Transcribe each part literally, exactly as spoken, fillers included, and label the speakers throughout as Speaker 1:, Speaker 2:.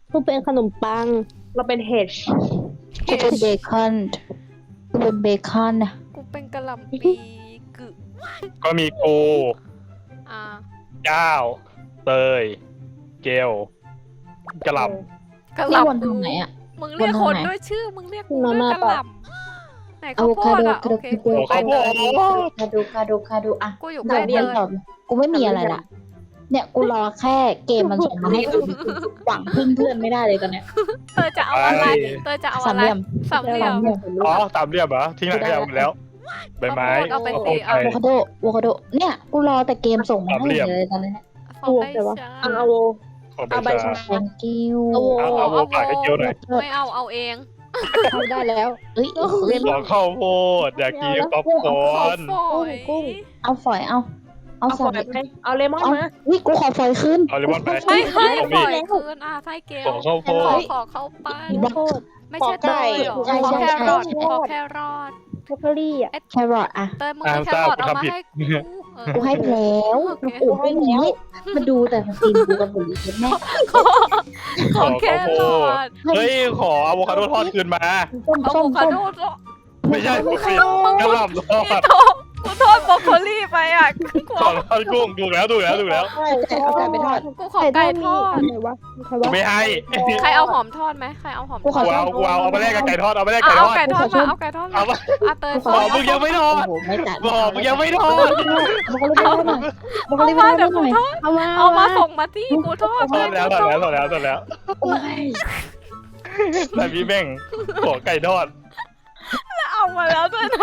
Speaker 1: กูเป็นขนมปัง
Speaker 2: เราเป็นเฮด
Speaker 3: กูเป็นเบคอนกูเป็นเบคอนนะ
Speaker 4: กูเป็นกะหล่ำปีกึ
Speaker 5: ก็มีกู
Speaker 4: อ่า
Speaker 5: เจ้าเตยเกลกระหล
Speaker 4: กะห
Speaker 3: นี่วน
Speaker 4: ล่ำ
Speaker 3: ทางไหนอ่ะ
Speaker 4: มึงเรียก
Speaker 3: วน
Speaker 4: ค
Speaker 3: ทาง
Speaker 4: น
Speaker 3: ไหน
Speaker 4: ด้วยชื่อมึงเรียกกู
Speaker 1: มา
Speaker 4: ด้วย
Speaker 1: ม่าก
Speaker 4: ะ
Speaker 1: ปะ
Speaker 4: หล่ำไหนข้าวโพดอ่ะโอเค
Speaker 5: ำโอ้ข้าวโพด
Speaker 3: คาดูคาดูคาดูอ่ะ
Speaker 4: กูอยู่
Speaker 3: เดี๋
Speaker 4: ใก
Speaker 3: ย
Speaker 4: ล้ว
Speaker 3: เดี๋
Speaker 4: เต
Speaker 3: ยวย ตอบกูไม่มีอะไรละเนี่ยกูรอแค่เกมมันส่งมาให้กูหวังพึ่งเพื่อนไม่ได้เลยตอนเนี้ย
Speaker 4: เตยจะเอาอะไรเตยจะเอา
Speaker 3: สา
Speaker 4: อะ
Speaker 3: ม
Speaker 4: ไร
Speaker 3: เหลี่ยม
Speaker 4: สามเหลี่ยม
Speaker 5: อ๋อสามเหลี่ยมเหรอทิ้งหลังขยะหมดแล้วใบไม้
Speaker 4: เอาไปสิ
Speaker 5: โอ
Speaker 4: เอา
Speaker 5: เค
Speaker 3: อะโวคาโดอะโวคาโดเนี่ยกูรอแต่เกมส่งมา
Speaker 5: สาม
Speaker 3: ให้
Speaker 5: เหลี่ยม
Speaker 3: เลยตอนนี้
Speaker 4: ขอไป
Speaker 1: แต่ว่า
Speaker 4: จ้า
Speaker 2: เอาโว
Speaker 5: ของใบ
Speaker 2: เอาใบ
Speaker 5: ชา
Speaker 2: ชา
Speaker 3: thank you
Speaker 1: โอ้
Speaker 5: เอาเอาโวกาดให้เกียวหน่อย
Speaker 4: ไม่เอาเอาเอง
Speaker 1: ทำได้แล้ว
Speaker 3: เอ้ยเล่น
Speaker 5: ขอข้าวโพดอยากกินป๊อปคอ
Speaker 4: ขอ
Speaker 5: ร์น
Speaker 4: ฝอย
Speaker 1: กุ้ง
Speaker 3: เอาฝอยเอาเอา
Speaker 2: เอา
Speaker 3: ส
Speaker 2: ฝ
Speaker 3: อ
Speaker 2: อย ยไปเอาเลมอน
Speaker 3: เอา
Speaker 2: มา
Speaker 3: วิกูขอฝอยขึ้น
Speaker 5: เอาเลมอนไป
Speaker 4: ไม่ให้
Speaker 5: ของ
Speaker 4: ฝ
Speaker 5: พี่
Speaker 4: อยคืนอ่ะไส้เกล
Speaker 5: ขอข้าวโพ
Speaker 4: ขอ
Speaker 5: ด
Speaker 4: ขอเข้าไป
Speaker 3: บัก
Speaker 1: โคตร
Speaker 4: ไม่ใช่เตยเหรอ
Speaker 3: ใช่
Speaker 4: ขอ
Speaker 3: ใช่
Speaker 4: แค
Speaker 3: ใช่
Speaker 4: รอท
Speaker 3: ใช่
Speaker 4: ขอแครอท
Speaker 1: แคลอรี่อ่ะ
Speaker 3: แครอทอ่ะ
Speaker 4: เตยมึงเอาแครอทเอามาให้กูเออ
Speaker 3: กูให้ไปแล้ว
Speaker 4: โอเค
Speaker 3: กูให้แล้วมาดูแต่สตรีมกูกับบุหรี่แม่
Speaker 4: ขอขอแครอท
Speaker 5: เฮ้ยขออะโวคาโดทอดคืนมา
Speaker 3: ส้ม
Speaker 4: เอา
Speaker 3: ส้
Speaker 4: โว
Speaker 3: ม
Speaker 4: คา
Speaker 3: ส้ม
Speaker 4: โดทอด
Speaker 5: ไม่ใช่ไม่ใช่กระหล่ำทอ
Speaker 4: นี่
Speaker 5: ด
Speaker 4: โทษกูโทษบรอกโคลี่ไปอ่ะกู
Speaker 5: ขอทอดกุ้งถูกแล้วถูกแล้วถูกแล้ว
Speaker 3: เอาไก่ไปทอด
Speaker 4: กูขอไก่ทอด
Speaker 1: อะไรวะใครวะ
Speaker 5: ไม่ให้
Speaker 4: ใครเอาหอมทอดไหมใครเอาหอมท
Speaker 3: กู
Speaker 4: อ
Speaker 3: ขอ
Speaker 4: ด
Speaker 5: กูเอากูเอาเอาไปแลกกับไก่ทอดเอาไปแลก
Speaker 4: เอา
Speaker 5: ไก่ท
Speaker 4: เอา
Speaker 5: อด
Speaker 4: ไก่ทอดมาเอาไก่ทอดมา
Speaker 5: เอาไป
Speaker 4: อาเตย
Speaker 5: ขอมึงยังไม่ทอด
Speaker 3: โอ้โหไม่จ่าย
Speaker 5: บอกมึงยังไม่ทอด
Speaker 3: มันก็เลยไม่ทอดหน่อยมันก็
Speaker 4: เอา
Speaker 3: เลย
Speaker 4: มา
Speaker 3: ไม่ท
Speaker 4: เดี๋
Speaker 3: อ
Speaker 4: ยว
Speaker 3: ดห
Speaker 4: กู
Speaker 3: น่อย
Speaker 4: ทอด
Speaker 1: เอามา
Speaker 4: เอามาส่งมาที่กูทอด
Speaker 5: ทอดแล้วทอดแล้วทอดแล้วทอดแล้ว
Speaker 3: โอ้ย
Speaker 5: แต่พี่แม่งขอไก่ทอด
Speaker 4: เอามาแล้วด้วยนะ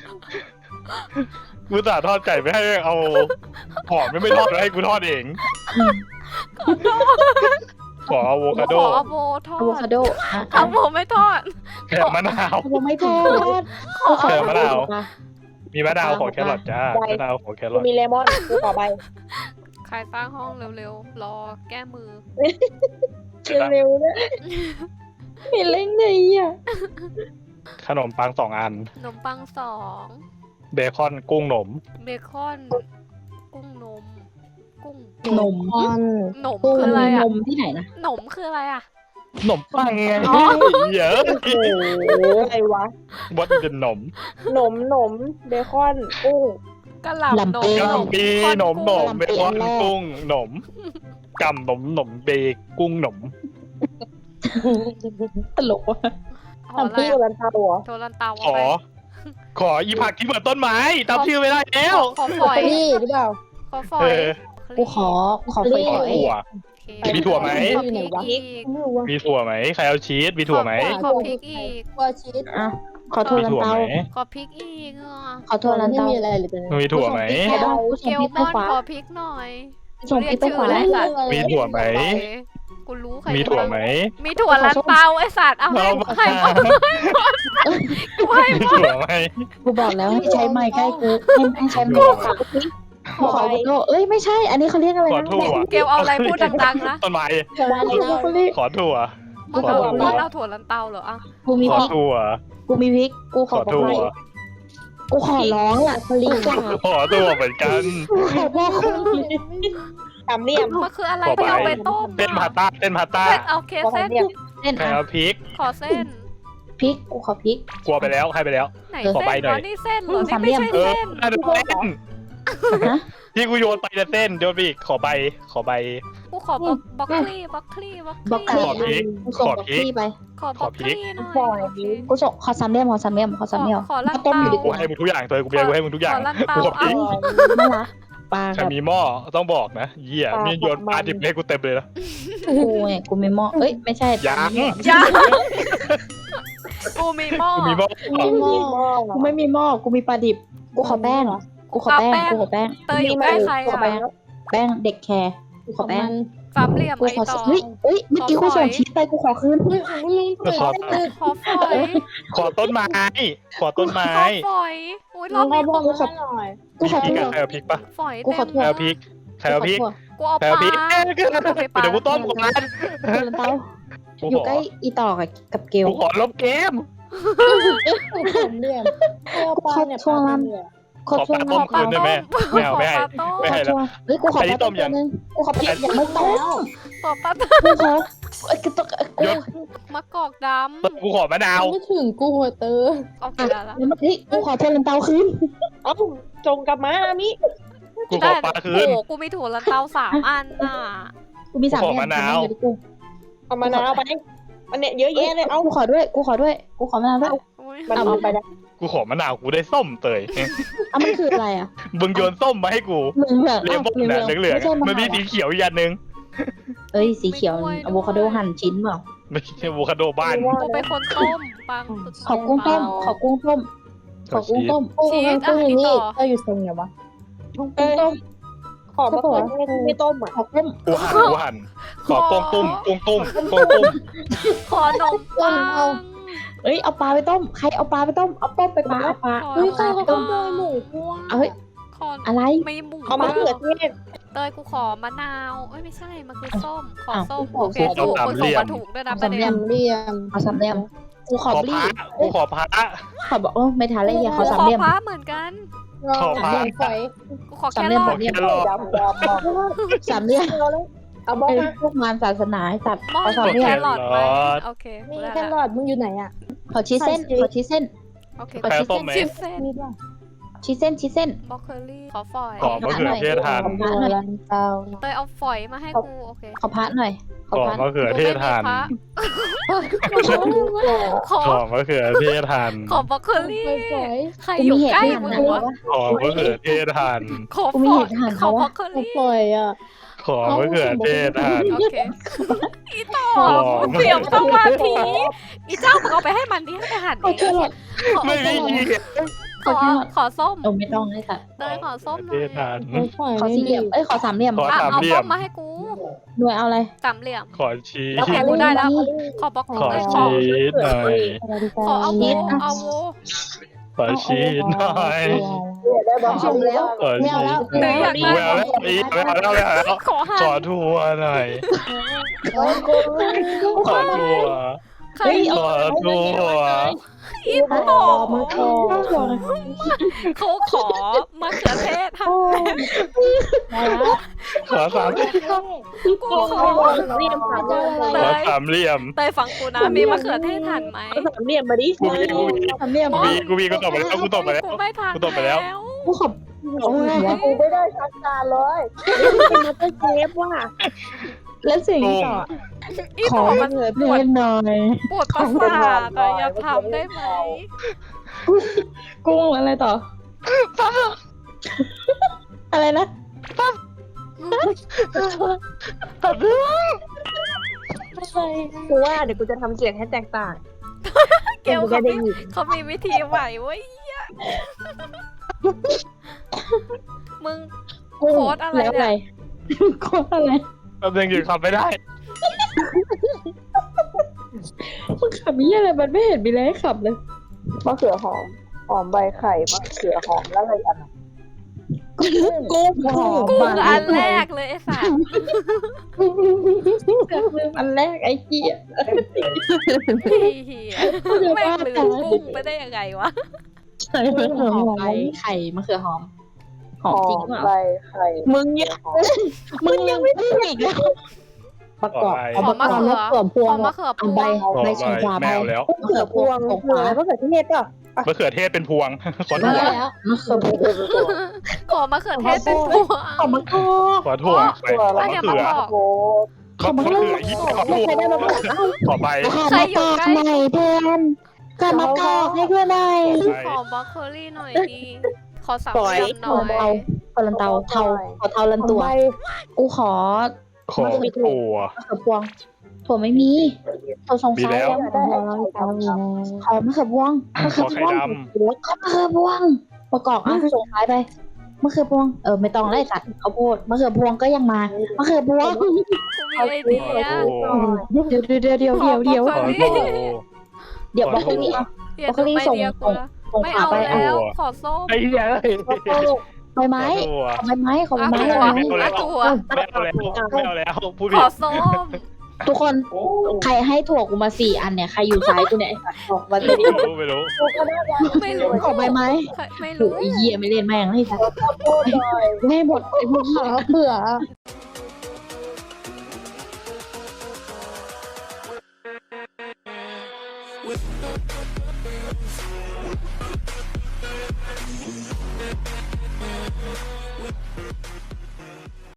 Speaker 5: กูจ่าทอดไก่ไม่ให้เอาหอมไม่ไม่ทอดแล้วให้กูทอดเองขออะโวคาโด
Speaker 4: ขออะโวทอ
Speaker 3: อะโว
Speaker 4: ด
Speaker 3: คาโดอ่ะ
Speaker 4: อะโวไม่ทอด
Speaker 5: แครมะนาว
Speaker 3: อะโวไม่ทอด
Speaker 5: แครมะนาว มีมะนาวขอแครอทจ้ามะนาวขอแคร
Speaker 2: กู
Speaker 5: อท
Speaker 2: มีเลมอนกูขอใบ
Speaker 4: ใครสร้างห้องเร็วๆ รอแก้มือ
Speaker 2: เร็วๆเนี่ย
Speaker 3: มีเล้งเลยอ่ะ
Speaker 5: ขนมปังสองอัน
Speaker 4: ขนมปังสอง
Speaker 5: เบคอนกุ้งหนม
Speaker 4: เบคอน กุ้งนม กุ้ง
Speaker 3: นม
Speaker 1: ออน
Speaker 4: หนม
Speaker 3: กุ้ง
Speaker 4: คืออะไร
Speaker 3: น
Speaker 4: อ่ะ
Speaker 3: มที่ไหนนะ
Speaker 4: หนมคืออะไรอ่ะ
Speaker 5: หนมปังไงเยอะ
Speaker 2: โอ้โหอะไรวะ
Speaker 5: วัดเป็นหนม
Speaker 2: หนมหนมเบคอนกุ้ง
Speaker 4: กะหล่ำนม
Speaker 5: กะหล่ำปีหนมหนม
Speaker 3: ลำ
Speaker 5: เบ
Speaker 3: ปี
Speaker 5: คอน
Speaker 3: อันแรก
Speaker 5: กุ้งหนมกำหนมหนมเบกุ้งหนม
Speaker 3: ตลกว่ะ
Speaker 4: ขออะไร
Speaker 2: พี่
Speaker 4: อะ
Speaker 2: รันเตาเหรอ
Speaker 4: โทรันเตา
Speaker 5: ข
Speaker 4: เอา
Speaker 5: อ
Speaker 4: ไป
Speaker 5: ขออีผักที่เหมือนต้นไม้จำชื่อไม่ได้แล้ว
Speaker 4: ขอฝอย
Speaker 1: นี่หรือเปล่า
Speaker 4: ขอฝอ
Speaker 5: เอย อ
Speaker 3: กูขอกูขอฝอย
Speaker 5: ขอ
Speaker 3: ฝอย
Speaker 5: ถั่ว
Speaker 4: โอเค
Speaker 5: มีถั่วไหม
Speaker 4: ขอพริกอีก
Speaker 1: ไม่รู้ว่า
Speaker 5: มีถั่วไหมใครเอาชีสมีถั่วไหม
Speaker 4: ขอพริกอีก
Speaker 1: ว่าชีส
Speaker 3: อ่ะขอโทร
Speaker 5: มี
Speaker 3: ลัน
Speaker 5: ถั่ว
Speaker 3: เตา
Speaker 5: ไหม
Speaker 4: ขอพริกอีกอ่ะ
Speaker 3: ขอโทรลัน
Speaker 1: ไม่
Speaker 3: เตา
Speaker 1: มีอะไรเลยเป็น
Speaker 5: มีถั่วไหม
Speaker 3: ไข่ดาวส่
Speaker 4: เก
Speaker 3: ง
Speaker 4: ล
Speaker 3: พริก
Speaker 4: ม
Speaker 3: ไป
Speaker 4: อน
Speaker 3: ขวา
Speaker 4: ขอพริกหน่อย
Speaker 3: ส่งพริกไปขวา
Speaker 4: เรียกชื่ออะไร
Speaker 5: มีถั่วไหม
Speaker 4: โอเคกูรู้ใคร
Speaker 5: มีถั่วไหม
Speaker 4: มีถั่วลันเตาไอสัตว์เอาให้
Speaker 5: เอามา
Speaker 4: ให้หมดกูให้
Speaker 5: มี
Speaker 4: หมด
Speaker 5: ถั่วไหม
Speaker 3: กูบอกแล้วให้ใช้ไม้ใกล้กูให้ให้ใช้ไม้ขวากูขอโทษเอ้ยไม่ใช่ อันนี้เขาเรียกอะไร
Speaker 5: ขอ
Speaker 3: นะ
Speaker 5: ถั่ว
Speaker 4: เกลเอาอะไรพูดดังๆนะ
Speaker 5: ต้นไม้
Speaker 3: เขาเรียก
Speaker 5: ขอถั่ว
Speaker 4: มึง
Speaker 5: ขอ
Speaker 4: เอา
Speaker 5: ถั่ว
Speaker 4: มึงเอาถั่วลันเตาเหรออ่ะ
Speaker 3: กูมี
Speaker 5: ข
Speaker 3: พ
Speaker 5: อ
Speaker 3: ริก
Speaker 5: ถั่ว
Speaker 3: กูมีพริกกูข
Speaker 5: ข
Speaker 3: อ
Speaker 5: อถั่ว
Speaker 3: กูขอร้องอ่ะ
Speaker 1: คลีกว่า
Speaker 5: ขอถั่วเหมือนกัน
Speaker 3: ขอพ่อคุณ
Speaker 2: สามเหลี่ยม
Speaker 4: มันคืออะไร
Speaker 5: ขอ
Speaker 4: ที่เอา
Speaker 5: ไป
Speaker 4: ไปต้ม
Speaker 5: เส้นพาต้าเส้นพาต้า
Speaker 4: เส้นเอาเคเส้น
Speaker 3: เส้น
Speaker 5: ใคร
Speaker 3: อ่ะ
Speaker 5: เอาพริก
Speaker 4: ขอเส้น
Speaker 3: พริกกูขอพริก
Speaker 5: กลัวไปแล้วให้ไปแล้ว
Speaker 4: ไหน
Speaker 5: ขอ
Speaker 4: เส้
Speaker 5: ใบ
Speaker 4: น
Speaker 5: หน่
Speaker 4: อ๋
Speaker 5: อย
Speaker 4: อนี่เส้นเหรอ
Speaker 3: สา
Speaker 4: นี่
Speaker 3: มเหลี่
Speaker 4: ไม่
Speaker 3: ยม
Speaker 4: ใช่
Speaker 5: เออ
Speaker 4: เส้น
Speaker 5: น่าจะเส้น
Speaker 3: ฮะ
Speaker 5: ที่กูโยนไปจะเส้นโยนไปอีกขอใบขอใบ
Speaker 4: กูขอบล็อกบล็อกคลี่บล็อกคลี่บล็อก
Speaker 3: บล็อก
Speaker 4: ค
Speaker 3: ค
Speaker 4: ลี่
Speaker 5: ขอพริก
Speaker 3: กูส่ง
Speaker 5: ขอ
Speaker 3: บอก
Speaker 5: พริก
Speaker 3: พี่ไป
Speaker 4: ขอบล็อกคลี่หน่อย
Speaker 2: ขอ
Speaker 4: โอเค
Speaker 3: กูส่งขอสามเหลี่ยมขอสามเหลี่ยมขอ
Speaker 4: ข
Speaker 3: สามเหลี่ยม
Speaker 4: อขอลัน
Speaker 3: ต้ม
Speaker 4: เตา
Speaker 3: อยู่ดีก
Speaker 5: กู
Speaker 3: ว่า
Speaker 5: ให้มึงทุกอย่างเธอกูเบียร์กูให้มึงทุกอ
Speaker 4: ข
Speaker 5: ย่าง
Speaker 4: อลันเตา
Speaker 5: กูขอพริ
Speaker 4: เอา
Speaker 5: ก
Speaker 3: น่ารักปลา
Speaker 5: ใคร
Speaker 3: กับ
Speaker 5: มีหม้อต้องบอกนะเหี้ยนี่โยนปลาดิบเลยกูเต็มเลยนะ
Speaker 3: กูไงกูมีหม้อเอ้ยไม่ใช่
Speaker 5: ยัง
Speaker 4: ยังกูมีหม้อ
Speaker 5: กูมีหม้อ
Speaker 3: กูมีหม้อกูไม่มีหม้อกูมีปลาดิบกูขอแป้งกูขอแป้งกูขอแป้ง
Speaker 4: เตยอยู่ใกล้ใคร
Speaker 3: กูขอ
Speaker 4: อ่ะ
Speaker 3: แป้งแป้งเด็กแคร์กูขอแป้ง
Speaker 4: สามเหลี่ยม
Speaker 3: กู
Speaker 4: ไอ
Speaker 3: ขอ
Speaker 4: ต่อ
Speaker 3: เฮ้ยเฮ้ยเมื่อกี้กูส่งชีสไปกูขอคืน
Speaker 1: เฮ้ยของลุง
Speaker 5: ขอ
Speaker 4: ขอฝอย
Speaker 5: ขอต้นไม้ขอต้นไม้
Speaker 4: ขอฝอยอุ้ยร
Speaker 1: น้
Speaker 4: อ
Speaker 1: อบ ง
Speaker 4: นี้
Speaker 1: เอาบ
Speaker 4: กู
Speaker 1: อกมาหน่อย
Speaker 3: กู
Speaker 5: มี
Speaker 3: ขอ
Speaker 5: พริก
Speaker 3: ถั่ว
Speaker 5: อะใครเอาพริกปะ
Speaker 4: ฝอย
Speaker 3: กู
Speaker 4: เต็
Speaker 3: ขอ
Speaker 4: ม
Speaker 3: โทษ
Speaker 5: ใครเอาพริกใครเอาพริก
Speaker 4: กูเอา
Speaker 5: ใคร
Speaker 4: ป
Speaker 5: เอา
Speaker 4: ลา
Speaker 5: พริกเอ้ย
Speaker 4: โอเคปลา
Speaker 5: เดี๋ยวกูต้มก่อน
Speaker 3: กูลันเตา
Speaker 5: กู
Speaker 3: อยู่
Speaker 5: ขอ
Speaker 3: ใกล้อีต่อกับกับเกล
Speaker 5: กูขอลบเกม
Speaker 1: กูสามเหลี่ยมเอาปลาเนี่ยปลาเนี่ย
Speaker 3: ขอ
Speaker 5: ขอ
Speaker 3: ช่ว
Speaker 5: ป
Speaker 3: ง
Speaker 5: ลาต้
Speaker 3: นั้
Speaker 5: ม
Speaker 3: น
Speaker 5: คืนได้ไหมไม่เอาไม่ให้ ไม่ให้แล้ว
Speaker 3: เฮ้ยกูขอ
Speaker 5: อันนี้
Speaker 3: ปลาต้
Speaker 5: ต้
Speaker 3: ม
Speaker 5: ม
Speaker 3: ตั
Speaker 5: ยั
Speaker 3: ว
Speaker 5: ง
Speaker 3: นึงกูขอปลายังไม่ต้ม
Speaker 4: ขอปลาต้ม
Speaker 3: กูขอเอ้ยกูต้องกู
Speaker 5: หยุด
Speaker 4: มะกอกด
Speaker 5: กูขอมะนาว
Speaker 1: ไม่ถึงกูอะเตอ
Speaker 4: ำโอเคได้ละ
Speaker 3: แล้วเมื่อกี้กูขอโทรลันเตาคืน
Speaker 2: เอ้าจงกลับมามิ
Speaker 5: กูขอปลาคืน
Speaker 4: โอ้กูมีถั่วลันเตาสามอันน่ะ
Speaker 3: กูมีสาม
Speaker 5: กูขอ
Speaker 3: อย่ง
Speaker 5: มะนาว
Speaker 3: เดี๋ยกู
Speaker 2: เอามะนาวไปอันเนี้ยเยอะแยะเลยเอา
Speaker 3: กูขอด้วยกูขอด้วยกูขอมะนาวด้วย
Speaker 4: โอ้ย
Speaker 2: มันเอาไปได้
Speaker 5: กูขอมะนาวกูได้ส้มเตย
Speaker 3: อ่ะมันคืออะไรอ่ะ
Speaker 5: มึงโยนส้มมาให้กู
Speaker 3: เหลืองเหลือง
Speaker 5: เลมอนน่ะเหลืองๆ
Speaker 3: ไม่
Speaker 5: อะ
Speaker 3: ใช่
Speaker 5: มันมีสีเขียวอีกอันนึง
Speaker 3: เอ้ยสีเขียวอะโวคาโดหั่นชิ้นเปล่า
Speaker 5: ไม่ใช่อะโวคาโดบ้าน
Speaker 4: กูเป็นคนต้มปัง
Speaker 3: ขอกุ้งต้มขอกุ้งต้มขอกุ้งต้ม
Speaker 1: กู
Speaker 4: ชีส
Speaker 1: กู
Speaker 4: อ่ะ
Speaker 1: อยู่
Speaker 4: นี่
Speaker 1: นี่
Speaker 4: ต่อ
Speaker 1: เตออยู่ตรงไหนวะ
Speaker 3: กุ้ง
Speaker 2: เอ้ย
Speaker 3: ต้ม
Speaker 2: ขอมะเขือเทศไม่ต้มอ่ะ
Speaker 3: ขอกุ้ง
Speaker 5: กูหั่นกูหั่นขอกงตุ้มกงตุ้มกงตุ้ม
Speaker 4: ขอนมปัง
Speaker 3: เอ้ยเอาปลาไปต้มใครเอาปลาไปต้มเอาต้มไปปลาเอาปลา
Speaker 4: ขอ
Speaker 1: เฮ้ย
Speaker 3: เอา
Speaker 1: ใคร
Speaker 3: ปลาไป
Speaker 1: เขา
Speaker 3: ต้ม
Speaker 1: ขโมยหมูกูอะ
Speaker 3: เอาเฮ้ย
Speaker 4: ขอ
Speaker 3: อะไร
Speaker 4: ไม่หมู
Speaker 2: เอามะเขือเทศ
Speaker 4: เตยกูขอมะนาวเอ้ยไม่ใช่มันคือส้มขอ
Speaker 3: อ้าว
Speaker 4: ส้ม
Speaker 3: กูขอ
Speaker 4: โอเค
Speaker 3: ส้ม
Speaker 4: ถูกคนส่งมาถูกด้วยนะประ
Speaker 3: สาม
Speaker 4: เด็
Speaker 3: เหลี่ย
Speaker 4: น
Speaker 3: ม
Speaker 1: เหลี่ยม
Speaker 3: เอาสามเหลี่ยมกูข
Speaker 5: ข
Speaker 3: อ
Speaker 5: อบ
Speaker 3: รี
Speaker 5: พระ
Speaker 3: บ
Speaker 5: กูขอพระ
Speaker 3: ขอบอกโอ้ไม่ทันเลยอย่าขอ
Speaker 4: กู
Speaker 3: สาม
Speaker 4: ขอ
Speaker 3: เหลี่ยม
Speaker 4: ฟ้าเหมือนกัน
Speaker 5: ขอ
Speaker 1: สาม
Speaker 5: พระ
Speaker 1: เหลี่ยมฝอย
Speaker 4: กูขอ
Speaker 3: สาม
Speaker 4: แค่
Speaker 3: เหลี่ยม
Speaker 4: รอ
Speaker 5: ขอแครอท
Speaker 2: ดำดำ
Speaker 3: สามเหลี่ยม
Speaker 2: เอาบอก
Speaker 3: ไอ้
Speaker 2: มา
Speaker 3: พวกมารศาสนาไอ้สัตว์
Speaker 4: มอ
Speaker 3: ขอ
Speaker 4: ส
Speaker 3: สามเห
Speaker 4: แค
Speaker 3: ลี่ยม
Speaker 4: รอทไหมโอเค
Speaker 1: มี
Speaker 4: ได้
Speaker 1: แค
Speaker 4: ละ
Speaker 1: รอทมึงอยู่ไหนอะ
Speaker 3: ขอชีสเส้นขอชีสเส้น
Speaker 4: โอเค
Speaker 3: ขอ
Speaker 5: แคร
Speaker 3: ชีส
Speaker 5: ส้
Speaker 3: เส้
Speaker 5: ม
Speaker 3: น
Speaker 5: ไหม
Speaker 4: ชิปเส้น
Speaker 1: มีป่ะ
Speaker 3: ชีสเส้นชีสเส้น
Speaker 4: บล็อกเคอรี่ขอฝอย
Speaker 5: ขอมะเขือเทศหั่น
Speaker 3: ขอพระหน่อย
Speaker 1: ลันเตา
Speaker 4: เตยเอาฝอยมาให้กูโอเค
Speaker 3: ขอพระหน่อยข
Speaker 5: ข
Speaker 3: อ
Speaker 5: อ
Speaker 3: พระ
Speaker 5: มะเขือเทศหั่น
Speaker 4: ขอ
Speaker 5: ขอมะเขือเทศหั่น
Speaker 4: ขอบล็อกเคอรี่
Speaker 1: ฝอย
Speaker 4: ใคร
Speaker 3: กู
Speaker 4: อ
Speaker 3: มี
Speaker 4: ยู่
Speaker 3: เห็ด
Speaker 4: ใกล้
Speaker 3: หั่น
Speaker 4: มึง
Speaker 3: นะ
Speaker 4: วะ
Speaker 5: ขอมะเขือเทศหั่น
Speaker 4: ขอ
Speaker 3: กู
Speaker 4: ฝ
Speaker 3: มี
Speaker 4: อ
Speaker 3: เห็
Speaker 4: ย
Speaker 3: ดหั่น
Speaker 4: ขอ
Speaker 3: เขา
Speaker 4: บล็อ
Speaker 3: อะ
Speaker 4: กเคอ
Speaker 1: ฝ
Speaker 4: รี่
Speaker 1: อยอะ
Speaker 5: ขอมะเขือเทศหั่น
Speaker 4: โอเคอีต่อ
Speaker 5: ขอ
Speaker 4: เสียงสมาธิอีเจ้ามึงเอาไปให้มันดิให้ไปหั่น
Speaker 3: ขอ
Speaker 4: เอ
Speaker 3: แครอท
Speaker 4: งขอ
Speaker 5: ไม่มี
Speaker 4: ขอขอส้ม
Speaker 3: เออไม่ต้องเลยสัตว์
Speaker 4: เตยขอส้มหน่
Speaker 5: เท
Speaker 4: อย
Speaker 5: ศหั่น
Speaker 1: ฝอย
Speaker 3: ขอสี่เหลี่ยมเอ้ยขอสามเหลี่ยม
Speaker 5: ขอ
Speaker 4: อ่ะ
Speaker 5: สาม
Speaker 4: เอา
Speaker 5: เหลี่ย
Speaker 4: ส้
Speaker 5: ม
Speaker 4: มมาให้กู
Speaker 3: หน่วยเอาอะไร
Speaker 4: สามเหลี่ยม
Speaker 5: ขอชีส
Speaker 4: โอเคกูได้แล้ว ขอบล็อก
Speaker 5: ขอ
Speaker 4: เอ้ยขอ
Speaker 5: ชีสหน่อย
Speaker 4: ขอเอาโวเอาโว
Speaker 5: ขอชีสหน่อย
Speaker 2: ได้บอก
Speaker 3: ชิมแล้ว
Speaker 5: ขอ
Speaker 1: ไม่
Speaker 5: ชี
Speaker 1: เอาแล้ว
Speaker 5: ส
Speaker 4: หรืออยาก
Speaker 5: ไม่
Speaker 4: ได้
Speaker 5: เอาแล้วอีไม่เอาแล้วไม่เอาแล้ว
Speaker 4: ขอหั่
Speaker 5: ขอน ทัวร์หน่อย ขอทัวร์
Speaker 4: ใคร
Speaker 5: ขอทัวร์
Speaker 4: อีต่อ
Speaker 1: มาขอ
Speaker 4: เขาขอมะเขือเทศหั่น
Speaker 1: มาแล้ว
Speaker 5: ขอสามเหลี่ยม
Speaker 4: กูขอ
Speaker 2: เรียมสาม
Speaker 1: เจออะไร
Speaker 5: ขอสามเหลี่ยม
Speaker 4: เตยฟังกูนะมีมะเขือเทศหั่นไหม
Speaker 2: สามเหลี่ยมมาดิ
Speaker 5: กูมีกูมี
Speaker 3: สามเหลี่ยม
Speaker 5: กูมีกูมีกูตอบไปแล้วกูตอบไปแล้ว
Speaker 4: กูไม่ทัน
Speaker 5: กูตอบไปแล้ว
Speaker 3: กูขอบโอ้ย
Speaker 2: กูไม่ได้ชักการเลยเป็นมาสเตอร์เชฟว่ะ
Speaker 3: แล้วสิ่งที่ต่อ
Speaker 4: อี
Speaker 3: ขอ
Speaker 4: ต่อ
Speaker 3: มะ
Speaker 4: มัน
Speaker 3: เขือ
Speaker 4: ป
Speaker 3: เท
Speaker 4: วด
Speaker 3: ศหน่อย
Speaker 4: ปวดประสาทอะอย่าทำได้ไหม
Speaker 3: กุ้งอะไรต่อ อะไรนะ
Speaker 2: กูว่าเดี๋ยวกูจะทำเสียงให้แตกต่าง
Speaker 4: เกลเขามีเขามีวิธีใหม่เว้ยมึง โค้ดอะไรเนี่ย
Speaker 3: แล้วอะไรโค้ดอะไร
Speaker 5: แป๊บนึงหยุดขับไม่ได้
Speaker 3: มึงขับมีอะไรมันไม่เห็นมีอะไรให้ขับเลย
Speaker 2: มะเขือหอม หอมใบไข่มะเขือหอมแล้วอะไรอัน
Speaker 3: กุ้งกุ้งหอม
Speaker 4: กู
Speaker 3: มา
Speaker 4: อันแรกเลยไอ้สัส
Speaker 3: เสือกลืมอันแรกไอ้เหี้ย
Speaker 4: เฮียแม่งลืมกุ้งไปได้ยังไงวะ
Speaker 3: ใส่มะเขือหอมใบไข่มะเขือหอมหอมจริงเปล่า
Speaker 2: ใบไข่
Speaker 3: มึงยังมึงยังไม่พูดอีกแล้ว
Speaker 1: ประกอบ
Speaker 4: ขอมะเขือ
Speaker 1: มะเขือพว
Speaker 4: ของ มะเขือพ
Speaker 3: เอา
Speaker 4: ว
Speaker 3: ใบ
Speaker 4: ง
Speaker 3: ใบชาขวาใบ
Speaker 5: แมวแล้ว
Speaker 3: มะเขือพวงของขวา
Speaker 2: มะเขือเทศป่ะ
Speaker 5: มะเขือเทศเป็นพวง ขอ
Speaker 1: มา
Speaker 5: ถั่ว
Speaker 1: แล้ว
Speaker 3: มะเขือพวง
Speaker 4: ขอมะเขือเทศเป็นพวง
Speaker 3: ของมะกอก
Speaker 5: ขอถั่วไปขอ
Speaker 4: อัน
Speaker 5: มะ
Speaker 4: เนี้ย
Speaker 5: เขื
Speaker 4: มะ
Speaker 5: อก
Speaker 4: อก
Speaker 2: โอ้
Speaker 5: ขอมะเขือยี่ขอถั่ว
Speaker 3: ใครได้มะกอกเอ้า
Speaker 5: ขอใบ
Speaker 4: ใครอยู่ใกล้
Speaker 3: ใหม่เพื่อนก็มะกอกให้เพื่อนหน่อย
Speaker 5: ขอใบ
Speaker 4: ขอบล็อกเคอรี่หน่อยดีขอสามเหลี่ยมหน่อย
Speaker 3: เทาขอลันเตาเทาขอเทาลันตัว กูขอ
Speaker 5: ขอถั่ว
Speaker 3: มะเขือพวงถั่วไม่มีถั่วทรง
Speaker 5: มี
Speaker 3: ไซ
Speaker 5: แล้
Speaker 3: ส์
Speaker 5: ว
Speaker 3: อะขอมะเขือพวงมะเขือ
Speaker 5: ขอ
Speaker 3: พ
Speaker 5: ไข่
Speaker 3: วง
Speaker 5: ด
Speaker 3: มะเขือพวงประกอบอ่ะส่งท้ายไปมะเขือพวงเออไม่ต้องไล่สัตว์ข้าวโพดมะเขือพวงก็ยังมามะเขือพวง
Speaker 4: กูมีไอเดีย
Speaker 5: ขอถั่ว
Speaker 3: เดี๋ยวเดี๋ยวเดี๋ยวเดี๋ยวเดี๋ยวเดี๋ยว
Speaker 5: ขอถั่ว
Speaker 3: เดี๋ยวบรอกโคลี่
Speaker 4: อย่าดูไอเดียกูนะ
Speaker 3: ส่ง
Speaker 4: ไม่
Speaker 3: ขา
Speaker 4: เอา
Speaker 3: ไป
Speaker 4: แล้ว
Speaker 5: ถั่ว
Speaker 4: ขอส้ม
Speaker 5: ไอ้เหี้ยเลย
Speaker 3: ใบไม้
Speaker 5: ขอถั่ว
Speaker 3: ขอใบไม้ขอใบ
Speaker 4: อ่ะ
Speaker 3: ไม้
Speaker 4: ถั่ว
Speaker 3: อะไร
Speaker 5: ไม่เอาแล้ว
Speaker 4: อ่ะถั่ว
Speaker 5: ไม่เอาแล้วไม่เอาแล้วพูด
Speaker 4: ข
Speaker 5: ผิด
Speaker 4: อส้ม
Speaker 3: ทุกคนใครให้ถั่วกูมาสี่อันเนี่ยใครอยู่ซ้ายกูเนี่ยไอ้สัตว์บอกมาสิ
Speaker 5: ไม่รู้ไม่รู้
Speaker 4: ไม่รู้
Speaker 3: ขอใบไม้
Speaker 4: ไม่
Speaker 3: ถู
Speaker 4: รู้
Speaker 3: ไอ้เหี้ยไม่เล่นแม่งให้สัตว์ไม่หมดไอ้พวก
Speaker 1: มะเขือ
Speaker 6: with